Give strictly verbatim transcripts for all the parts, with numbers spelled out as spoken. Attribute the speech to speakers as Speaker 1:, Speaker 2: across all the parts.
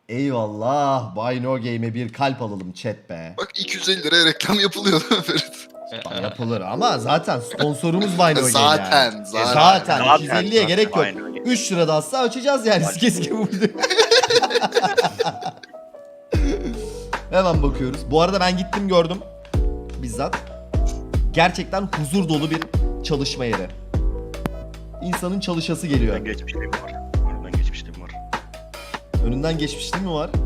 Speaker 1: Eyvallah. Buy No Game'e bir kalp alalım chat be.
Speaker 2: Bak iki yüz elli liraya reklam yapılıyor değil mi Ferit?
Speaker 1: Yapılır ama zaten sponsorumuz Buy No Game
Speaker 2: Zaten,
Speaker 1: yani.
Speaker 2: zaten.
Speaker 1: Zaten.
Speaker 3: Zaten,
Speaker 1: iki yüz elliye
Speaker 3: zaten.
Speaker 1: gerek yok.
Speaker 3: Aynen öyle.
Speaker 1: üç lira da atsa açacağız yani. Kes gibi vurdu. Hemen bakıyoruz. Bu arada ben gittim gördüm. Bizzat. Gerçekten huzur dolu bir çalışma yeri. İnsanın çalışası geliyor.
Speaker 3: Ben geçmişliğim var. Ben geçmişliğim var.
Speaker 1: Önünden geçmişliği mi var?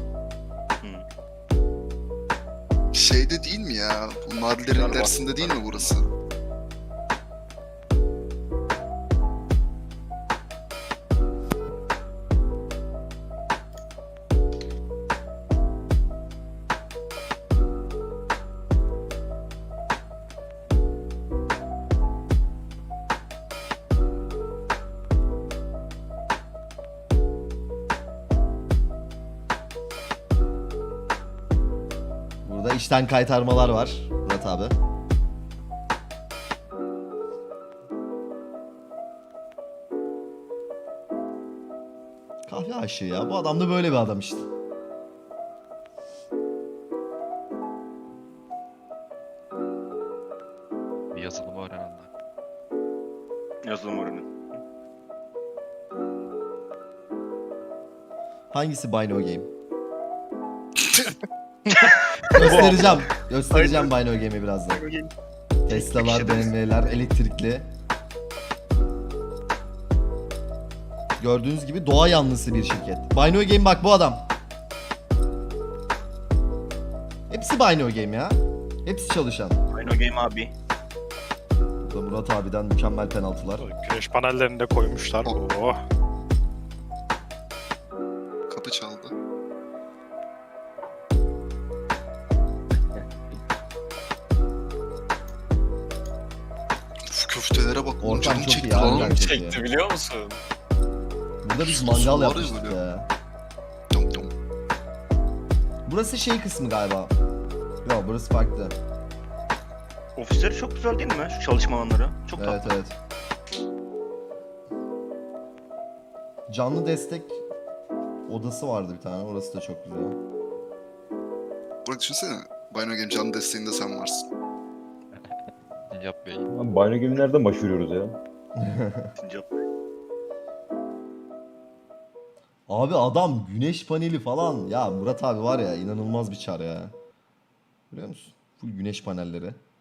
Speaker 2: Şeyde değil mi ya? Bu Nadilerin
Speaker 3: Galiba.
Speaker 2: dersinde değil mi burası?
Speaker 1: Burada işten kaytarmalar var. Murat abi. Kahve aşığı ya. Bu adam da böyle bir adam işte.
Speaker 4: Bir yazılımı öğrenen.
Speaker 3: Yazılım öğrenin.
Speaker 1: Hangisi Buy No Game? Göstereceğim. Göstereceğim Buy No Game'i birazdan. Tesla'lar, B M W'ler, elektrikli. Gördüğünüz gibi doğa yanlısı bir şirket. Buy No Game bak bu adam. Hepsi Buy No Game ya. Hepsi çalışan.
Speaker 3: Aynı o game abi.
Speaker 1: Burada Murat abiden mükemmel penaltılar.
Speaker 5: Güneş panellerini de koymuşlar. Oh.
Speaker 2: Kapı çaldı. Uf, köftelere bak.
Speaker 1: Ortam
Speaker 2: Canım
Speaker 1: çok
Speaker 2: çekti
Speaker 1: iyi abi,
Speaker 2: lan.
Speaker 1: bence.
Speaker 5: Çekti biliyor musun?
Speaker 1: Burada biz
Speaker 2: Sosu
Speaker 1: mangal
Speaker 2: var ya
Speaker 1: yapmıştık
Speaker 2: böyle.
Speaker 1: ya.
Speaker 2: Dom dom.
Speaker 1: Burası şey kısmı galiba. Yok burası farklı.
Speaker 3: Ofisleri çok güzel değil mi? Şu çalışma alanları. Çok
Speaker 1: Evet
Speaker 3: tatlı.
Speaker 1: evet. Canlı destek odası vardı bir tane. Orası da çok güzel.
Speaker 2: Bırak düşünsene. Buy No Game canlı desteğinde sen varsın.
Speaker 4: Yap bey.
Speaker 6: Abi Bayno gibi nereden başvuruyoruz ya?
Speaker 3: Sincap.
Speaker 1: Abi adam güneş paneli falan. Ya Murat abi var ya inanılmaz bir çar ya. Biliyor musun? Full güneş panelleri.